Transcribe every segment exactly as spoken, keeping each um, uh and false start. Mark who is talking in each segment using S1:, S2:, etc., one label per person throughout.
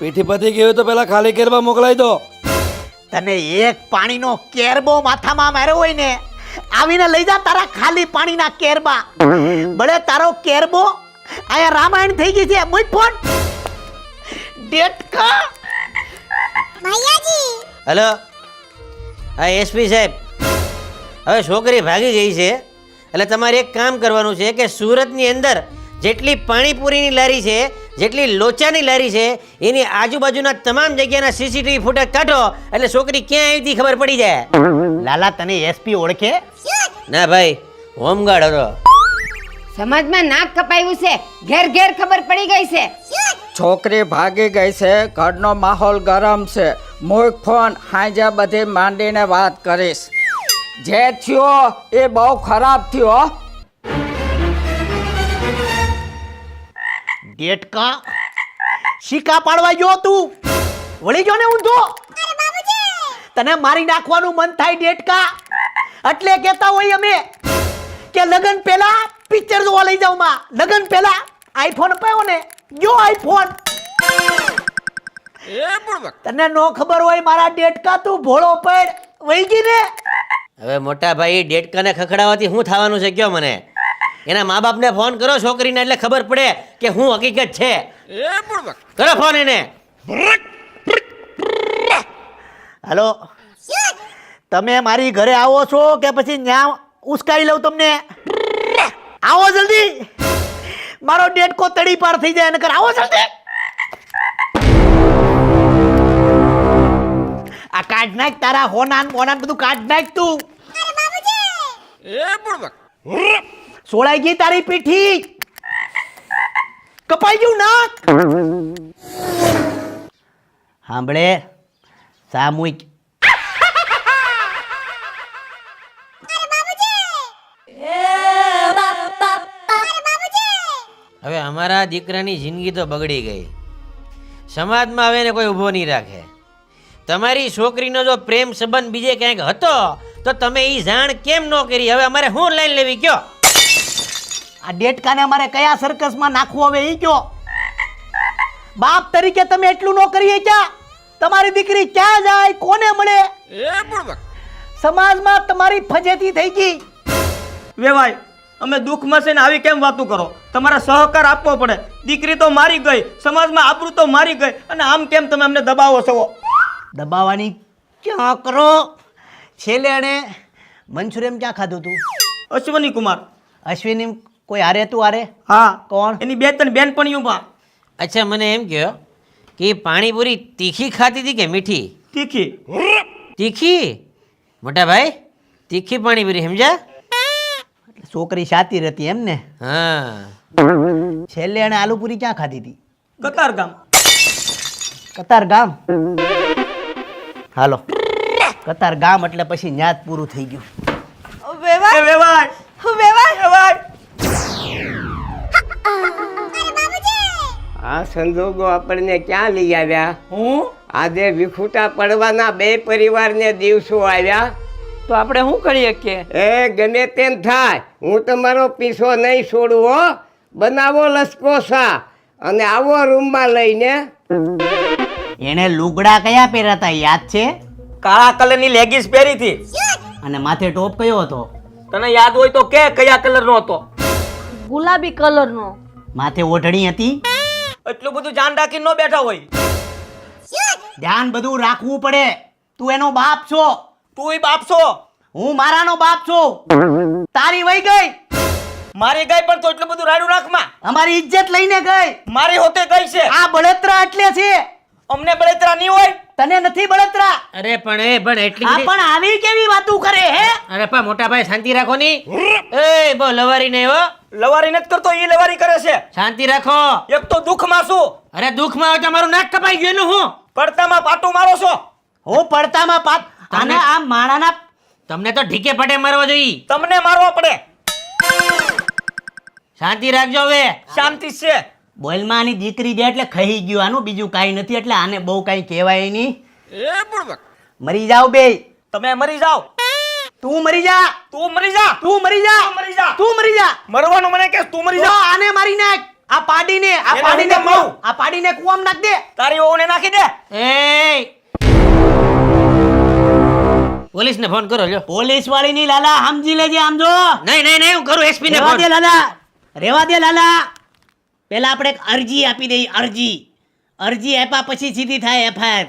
S1: પીઠી પતી ગયું તો પેલા ખાલી કેરબા મોકલાઈ દો.
S2: તને એક પાણીનો કેરબો માથામાં માર્યો હોય ને, આવીને લઈ જા તારા ખાલી પાણીના કેરબા. બળે તારો કેરબો આયા રામાયણ થઈ ગઈ છે. મુઈ ફોન ડેટકા
S3: ભૈયાજી.
S4: હેલો, હા એસપી સાહેબ, હવે છોકરી ભાગી ગઈ છે એટલે તમારે એક કામ કરવાનું છે કે સુરતની અંદર જેટલી પાણીપુરીની લારી છે, જેટલી લોચાની લારી છે, એની આજુબાજુના તમામ જગ્યાના સીસીટીવી ફૂટેજ કાઢો એટલે છોકરી ક્યાં આવી હતી ખબર પડી જાય.
S2: લાલા તને એસપી ઓળખે?
S4: ના ભાઈ, હોમગાર્ડ હતો.
S5: સમાજમાં નાક કપાયું છે, ઘેર ઘેર ખબર પડી ગઈ છે.
S6: છોકરી ભાગી ગઈ છે, ઘરનો માહોલ ગરમ છે. મૂક ફોન, હાંજે બધી માંડીને વાત કરીશ. જે થયો એ બહુ ખરાબ થયો.
S2: ડેટકા શીકા પાડવા ગયો તું, વળી ગયો ને ઊંધો. તને મારી નાખવાનું મન થાય ડેટકા, એટલે કહેતા હોય અમે કે લગન પહેલા પિક્ચર જોવા લઈ જાવ માં. લગન પહેલા આઈફોન અપાયો ને, જો આઈફોન. તને નો ખબર હોય મારા ડેટકા, તું ભોળો પડ વહી ગઈ ને.
S4: હવે મોટા ભાઈ ડેટકાને ખખડાવવાથી શું થવાનું છે કયો મને? એના મા બાપને ફોન કરો છોકરીને એટલે ખબર પડે કે હું હકીકત છે. કરો ફોન એને.
S2: હેલો, તમે મારી ઘરે આવો છો કે પછી ન્યા ઉસકાઈ લઉં તમને? આવો જલ્દી, મારો ડેટકો તડી પાર થઈ જાય. નકર આવો જલ્દી. આ કાઢ નાખ તારા હોનાન મોનાન બધું કાઢ નાખ તું. સોળાઈ ગઈ તારી પીઠી, કપાઈ ગયું નાક. સાંભળે સામૂહિક
S4: હવે અમારા દીકરાની જિંદગી તો બગડી ગઈ. સમાજમાં હવે એને કોઈ ઊભો નહીં રાખે. તમારી છોકરીનો જો પ્રેમ સંબંધ બીજે ક્યાંક હતો તો તમે એ જાણ કેમ ન કરી? હવે અમારે શું લાઈન લેવી કયો?
S2: આ ડેટકાને અમારે કયા સર્કસમાં નાખવું હવે એ કયો? બાપ તરીકે તમે એટલું ન કરીએ ક્યાં? તમારી દીકરી ક્યાં જાય, કોને મળે? સમાજમાં તમારી ફજેતી થઈ ગઈ.
S7: વેવાય, અમે દુઃખમાં છે ને આવી કેમ વાતું કરો? તમારા સહકાર આપવો પડે. દીકરી તો મારી ગઈ, સમાજમાં આબરૂ તો મારી ગઈ, અને આમ કેમ તમે અમને દબાવો છો?
S2: દબાવવાની ક્યાં કરો? છેલ્લે એણે મંચુરિયમ ક્યાં ખાધું તું?
S7: અશ્વની કુમાર.
S2: અશ્વિની કોઈ હારે તું હારે?
S7: હા.
S2: કોણ?
S7: એની બે ત્રણ બેનપણીઓમાં.
S4: અચ્છા, મને એમ કહો કે એ પાણીપુરી તીખી ખાતી હતી કે મીઠી?
S7: તીખી.
S4: તીખી? મોટા ભાઈ, તીખી પાણીપુરી, સમજ્યા?
S2: છોકરી શાતીર હતી એમ ને?
S4: હા.
S2: છેલ્લે એણે આલુપુરી ક્યાં ખાધી હતી?
S7: કતાર ગામ.
S2: કતાર ગામ? હાલો, કતાર ગામ એટલે પછી ન્યાજ પૂરું થઈ ગયું.
S7: એ વેવાય, વેવાય.
S8: આ સંજોગો આપણને ક્યાં લઈ આવ્યા?
S7: હું
S8: આજે વિખૂટા પડવાના બે પરિવારને દિવસો આવ્યા.
S7: તો આપણે શું કરીએ કે?
S8: એ ગમે તેમ થાય, હું તમારો પીછો નહીં છોડું હો. બનાવો લસકો સા અને આવો રૂમમાં લઈને.
S2: એણે લુગડા કયા પહેર્યા હતા યાદ છે?
S7: કાળા કલરની લેગીસ પહેરી હતી.
S2: અને માથે ટોપ કયો હતો?
S7: તને યાદ હોય તો કે કયા કલરનો હતો?
S3: ગુલાબી કલરનો.
S2: માથે ઓઢણી હતી?
S7: એટલું બધું જાન રાખીને ન બેઠા હોય.
S2: ધ્યાન બધું રાખવું પડે. તું એનો બાપ છો,
S7: તુંય બાપ છો,
S2: હું મારાનો બાપ છું. તારી વઈ ગઈ,
S7: મારી ગઈ પણ તો એટલું બધું રાડું રાખમાં.
S2: અમારી ઇજ્જત લઈને ગઈ.
S7: મારી હોતે ગઈ છે.
S2: આ બળતરા એટલે છે.
S7: અમને બળતરા નહીં હોય.
S2: તને નથી બળતરા.
S4: અરે પણ એ પણ એટલી
S2: આ
S4: બધી-
S2: પણ આવી કેવી વાતું કરે હે?
S4: અરે પા મોટા ભાઈ, શાંતિ રાખો ની. એ બહુ લવારી નહીં હો.
S7: લવારી નથી કરતો, ઈ લવારી કરે છે.
S4: શાંતિ રાખો.
S7: એક તો દુઃખમાં છું,
S4: અરે દુઃખમાં હોય તો મારું નાક કપાઈ ગયું એનું હું?
S7: પડતામાં પાટું મારો છો.
S2: હું પડતામાં પાપ. અને આ માણાના
S4: તમને તો ઢીકે પટે મારવા જોઈએ.
S7: તમને મારવા પડે.
S4: શાંતિ રાખજો હવે.
S7: શાંતિ છે.
S2: બોલમાં આની દીકરી દે એટલે ખાઈ ગયું. આનું બીજું કાંઈ નથી, એટલે આને બહુ કાંઈ કહેવાય નહીં. મરી જાવ બે.
S7: તમે મરી જાઓ.
S2: તું મરી જા.
S7: તું મરી જા.
S2: તું મરી જા.
S7: તું મરી જા.
S2: તું મરી જા.
S7: મરવાનું મને કે તું મરી
S2: તો
S7: જા.
S2: આને મારી નાખ. આ પાડીને આ
S7: એને
S2: પાડીને
S7: હું કહું?
S2: આ પાડીને કુવામાં નાખ દે.
S7: તારી વહુને નાખી દે.
S4: એ પોલીસને ફોન કરો લ્યો.
S2: પોલીસ વાળી ની લાલા સમજી લેજે આમ જો.
S4: નહીં નહીં નહીં હું કરું એસપી ને
S2: રેવા
S4: ફોન.
S2: દે લાલા રેવા દે લાલા. પેલા આપણે એક અરજી આપી દઈએ અરજી અરજી આપ્યા પછી સીધી થાય એફઆઈઆર.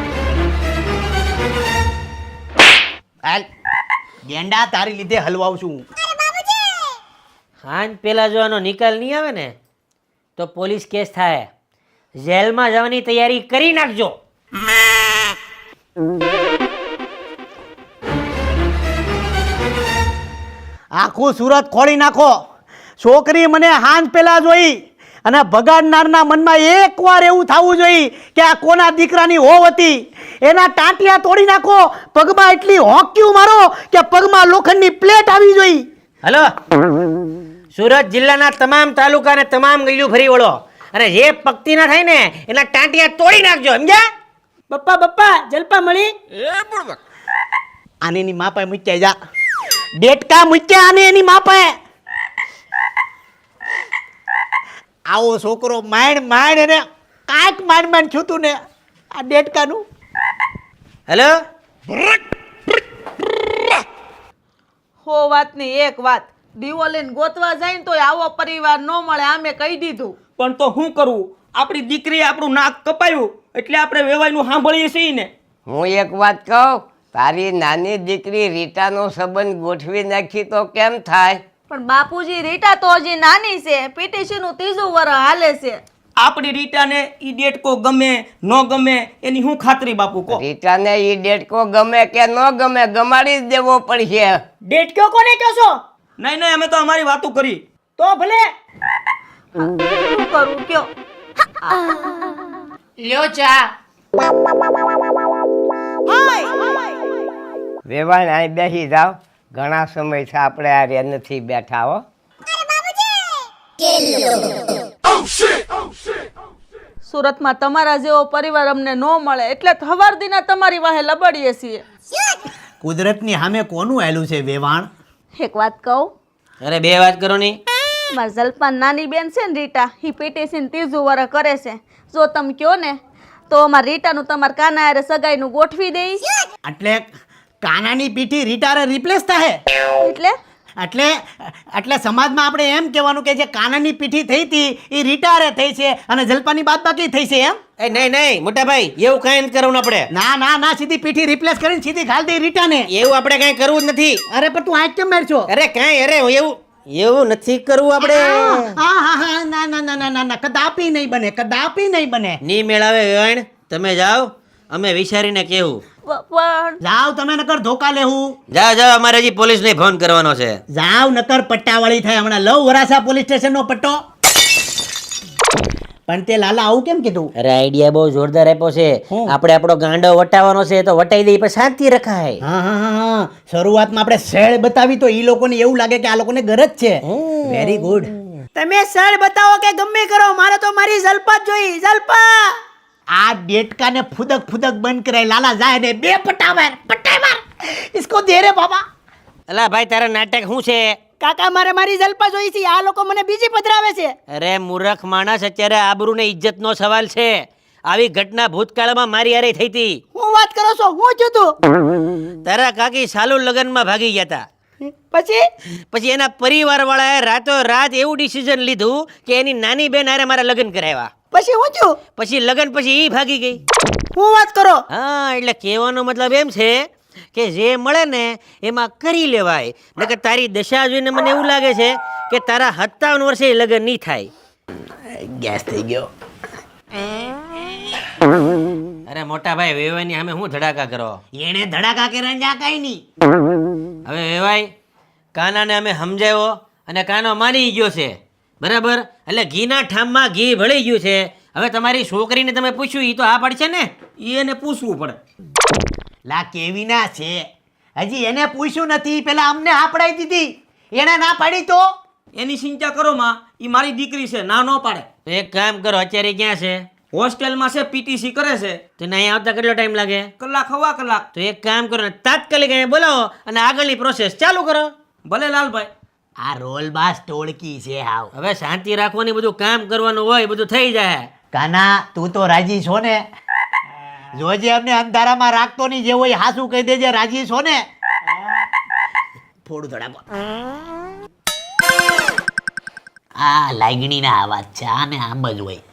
S2: હાલ ગેંડા તારી લીધે હલવાઉં છું.
S4: હાન પેલા જો આનો નિકાલ નહીં આવે ને તો પોલીસ કેસ થાય. જેલમાં જવાની તૈયારી કરી નાખજો.
S2: આખું સુરત ખોળી નાખો. છોકરી મને હાંજ પેલા જોઈ અને ભગાડનારના મનમાં એકવાર એવું થવું જોઈએ કે આ કોના દીકરાની હોવ હતી. એના ટાંટિયા તોડી નાખો. પગમાં એટલી હોક્યું મારો કે પગમાં લોખંડની પ્લેટ આવી જોઈ.
S4: હલો, સુરત જિલ્લાના તમામ તાલુકા અને તમામ ગલીઓ ફરી વળો અને જે પક્તિ ના થાય ને એના ટાંટિયા તોડી નાખજો, સમજ્યા?
S2: બપ્પા બપ્પા જલપા મળી આને એની માપાએ મૂક્યા જા. ડેટકા મૂક્યા આને એની માપાએ. આવો છોકરો માંડ માંડ એને કાંઈક માંડ માંડ છૂતું ને આ ડેટકાનું.
S4: હેલો,
S3: હો વાતની એક વાત, દીવો લઈને ગોતવા જાય ને તોય આવો પરિવાર ન મળે, આમે કહી દીધું.
S7: પણ તો શું કરવું? આપણી દીકરીએ આપણું નાક કપાયું એટલે આપણે વેવાઈનું સાંભળીએ છીએ ને.
S8: હું એક વાત કહું, તારી નાની દીકરી રીટાનો સંબંધ ગોઠવી નાખી તો કેમ થાય?
S3: પણ બાપુજી રીટા તો હજી નાની છે, પીટીસી નું ત્રીજું વર્ષ હાલે છે.
S7: આપણી રીટાને ઈ ડેટકો ગમે ન ગમે એની શું ખાતરી બાપુ કહો?
S8: રીટાને ઈ ડેટકો ગમે કે ન ગમે ગમાડી જ દેવો પડશે.
S2: ડેટક્યો કોને કહો છો?
S7: નહીં નહીં અમે તો અમારી વાતો કરી.
S2: તો ભલે
S3: શું કરું કયો?
S5: લ્યો ચા.
S8: વેવાણ અહીં બેસી જાવ, ઘણા સમયથી આપણે આ રે નથી બેઠા હો.
S3: સુરતમાં તમારા જેવો પરિવાર અમને ન મળે એટલે હવાર દીના તમારી વાહે લબડીએ છીએ.
S2: કુદરતની સામે કોનું આવેલું છે વેવાણ?
S3: એક વાત કહું,
S4: અરે બે વાત કરો ની.
S3: મારા જલપાન નાની બેન છે ને રીટા, એ પીટીસી ને ત્રીજું વર્ષ કરે છે. જો તમે કહો ને તો અમારા રીટાનું તમારા કાના હારે સગાઈનું ગોઠવી દઈ.
S2: એટલે કાનાની પીઠી રીટારે રિપ્લેસ થાય.
S3: એટલે
S2: એટલે એટલે સમાજમાં આપણે એમ કહેવાનું કે જે કાનાની પીઠી થઈ હતી એ રીટારે થઈ છે અને જલપાની બાદ બાકી થઈ છે એમ?
S4: એ નહીં નહીં મોટા ભાઈ, એવું કાંઈ નથી કરવું આપણે.
S2: ના ના ના સીધી પીઠી રિપ્લેસ કરીને સીધી ઘાલ દે રીટાને.
S4: એવું આપણે કાંઈ કરવું જ નથી.
S2: અરે પણ તું આંખ કેમ મારશો?
S4: અરે કાંઈ અરે એવું એવું નથી કરવું આપણે.
S2: હા હા હા ના ના ના ના ના ના કદાપી નહીં બને, કદાપી નહીં બને.
S4: નહીં મેળાવે વેવાણ, તમે જાઓ, અમે વિચારીને કેવું.
S3: પણ
S2: જાવ તમે નકર ધોકા લેવું.
S4: જાઓ જાઓ, અમારે હજી પોલીસને ફોન કરવાનો છે.
S2: જાવ નકર પટ્ટાવાળી થાય. હમણાં લવ વરાસા પોલીસ સ્ટેશનનો પટ્ટો. પણ તે લાલા આવું કેમ કીધું?
S4: અરે આઈડિયા બહુ જોરદાર આપ્યો છે.
S2: હું?
S4: આપણે આપણો ગાંડો વટાવવાનો છે તો વટાઈ દઈએ, પછી શાંતિ રખાય.
S2: હા હા હા હા શરૂઆતમાં આપણે સેળ બતાવી તો ઈ લોકોને એવું લાગે કે આ લોકોને ગરજ છે. Very good. તમે સેળ બતાવો કે ગમે કરો, મારે તો મારી જલપા જ જોઈ. જલપા આ ડેટકાને ફુદક ફુદક બંધ કરાય. લાલા જાય ને બે પટ્ટા માર પટ્ટા માર इसको દે રે બાબા.
S4: અલા ભાઈ, તારા નાટક શું છે?
S2: કાકા મારે મારી જલપા જોઈ છે, આ લોકો મને બીજી પધરાવે છે.
S4: અરે મૂર્ખ માણસ, અત્યારે આબરૂ ને ઇજ્જતનો સવાલ છે. આવી ઘટના ભૂતકાળમાં મારી હારે થઈ હતી.
S2: હું વાત કરો છો? હું છું તું?
S4: તારા કાકી સાલુ લગ્નમાં ભાગી ગયા હતા.
S2: પછી
S4: પછી એના પરિવાર વાળાએ રાતો રાત એવું ડિસિઝન લીધું કે એની નાની બેન હારે મારા લગ્ન કરાવ્યા.
S2: પછી હું છું?
S4: પછી લગ્ન પછી ઈ ભાગી ગઈ.
S2: હું વાત કરો?
S4: હા, એટલે કહેવાનો મતલબ એમ છે કે જે મળે ને એમાં કરી લેવાય. નકર તારી દશા જોઈને મને એવું લાગે છે કે તારા સત્તાવન વર્ષે લગ્ન નહીં થાય.
S2: ગેસ થઈ ગયો.
S4: અરે મોટા ભાઈ, વેવાઈની સામે હું ધડાકા કરો?
S2: એને ધડાકા કર્યા જા કઈ નહીં.
S4: હવે વેવાઈ, કાનાને અમે સમજાવ્યો અને કાનો માની ગયો છે, બરાબર? એટલે ઘીના ઠામમાં ઘી ભળી ગયું છે. હવે તમારી છોકરીને તમે પૂછ્યું, એ તો હા પડશે ને?
S7: ઈ એને પૂછવું પડે.
S2: લા કેવી ના છે, હજી એને પૂછ્યું નથી, પેલા અમને હા પડાઈ દીધી. એને ના પાડી તો
S7: એની ચિંતા કરો માં, ઈ મારી દીકરી છે, ના ન પાડે.
S4: તો એક કામ કરો, અત્યારે ક્યાં છે?
S7: હોસ્ટેલમાં છે, પીટીસી કરે છે.
S4: તો અહીંયા આવતા કેટલો ટાઈમ લાગે?
S7: કલાક હવા કલાક.
S4: તો એક કામ કરો ને, તાત્કાલિક અહીંયા બોલાવો અને આગળની પ્રોસેસ ચાલુ કરો.
S7: ભલે લાલભાઈ.
S2: આ રોલ બાસ ટોળકી છે હાવ.
S4: હવે શાંતિ રાખવાની, બધું કામ કરવાનું હોય, બધું થઈ જાય.
S2: કાના તું તો રાજી છો ને? જોજે અમને અંધારામાં રાખતો નહીં, જે હોય હાસુ કહી દેજે. રાજી છો ને? થોડું થોડા આ લાગણીના અવાજ છે, આને આમ જ હોય.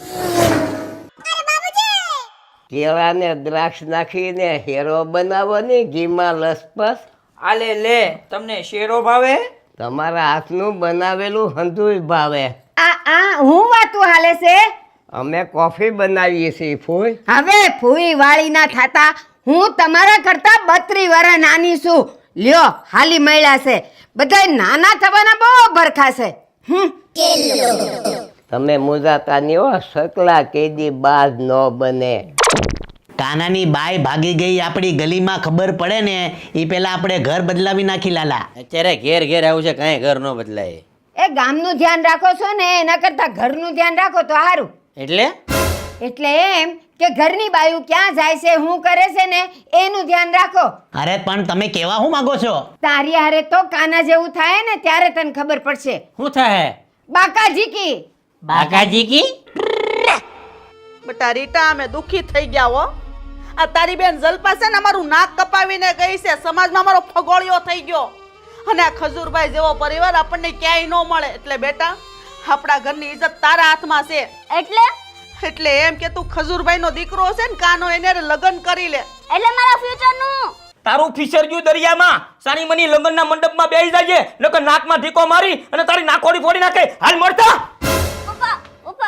S8: કેળાને દ્રાક્ષ નાખીને હેરો બનાવો ને ઘીમાં લસપસ.
S6: આલે લે, તમને શેરો ભાવે?
S8: તમારા હાથનું બનાવેલું હંધુય ભાવે.
S5: આ આ હું વાતું હાલે છે?
S8: અમે કોફી બનાવીએ છીએ ફૂઈ.
S5: હવે ફૂઈ વાળી ના થાતા. હું તમારા કરતા બત્રી વર્ષ નાની છું. લ્યો હાલી મળ્યા છે. બધા નાના થવાના બહુ ભરખા છે. હમ
S8: તમે મુજાતા ની હો, સકલા કેદી બાજ ન બને.
S2: કાનાની બાઈ ભાગી ગઈ આપણી ગલીમાં ખબર પડે ને એ પેલા આપણે ઘર બદલાવી નાખી લાલા.
S4: અત્યારે ઘેર ઘેર આવું છે, કાંઈ ઘર ન બદલાય.
S5: એ ગામનું ધ્યાન રાખો છો ને એના કરતા ઘરનું ધ્યાન રાખો તો સારું.
S4: એટલે
S5: એટલે એમ કે ઘરની બાયું ક્યાં જાય છે, શું કરે છે ને એનું ધ્યાન રાખો.
S2: અરે પણ તમે કેવા શું માંગો છો?
S5: તારી હારે તો કાના જેવું થાય ને ત્યારે તને ખબર પડશે.
S4: શું થાય?
S5: બાકાજી કી
S4: બાકાજી કી?
S3: બેટા રીટા અમે દુખી થઈ ગયા હો. આ તારી બેન જલપા છે ને અમારું નાક કપાવીને ગઈ છે, સમાજમાં અમારો ફગોળિયો થઈ ગયો. અને આ ખજૂરભાઈ જેવો પરિવાર આપણને ક્યાંય ન મળે. એટલે બેટા આપણા ઘરની ઇજ્જત તારા હાથમાં છે. એટલે એટલે એમ કે તું ખજૂરભાઈ નો દીકરો છે ને કાનો, એને લગ્ન કરી લે. એટલે મારા ફ્યુચર નું
S7: તારું ફિશર ગયું દરિયામાં. સાની મની લગ્નના મંડપમાં બેસી જાય છે, નકર નાકમાં ઢીકો મારી અને તારી નાકોડી ફોડી નાખે. હાલ મળતા
S3: પપ્પા પપ્પા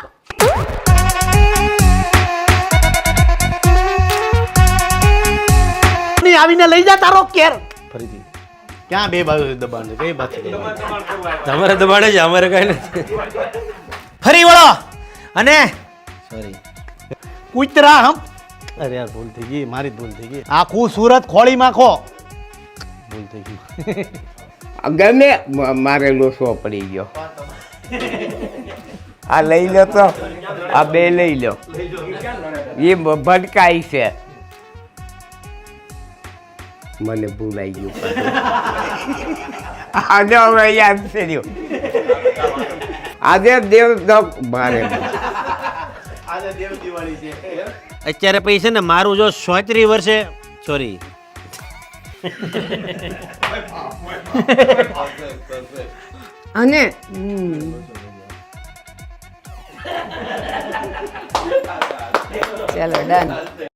S2: ની આવીને લઈ જા તારો કેર.
S9: ફરીથી ક્યાં બે બાજુ દબાણ છે? કઈ બાજુ દબાણ છે?
S4: તમારે દબાડે છે, અમારે કઈ નથી.
S2: ફરી વળો અને
S9: સોરી.
S2: કૂતરા હમ.
S9: અરે યાર, ભૂલ થઈ ગઈ, મારી જ ભૂલ થઈ ગઈ,
S2: આખું સુરત ખોળી માખો.
S9: ભૂલ થઈ ગઈ.
S8: ગમે મ- મારે લોસો પડી ગયો. આ લઈ લો તો, આ બે લઈ લો. એ ભટકાઈ છે. મને ભૂલાઈ ગયું પાછું. આને હવે યાદ છે રહ્યું. આજે દેવ દક મારે
S4: અત્યારે પૈસા ને મારું જો સોત્રીસ વર્ષે સોરી
S5: અને ચલો ડન.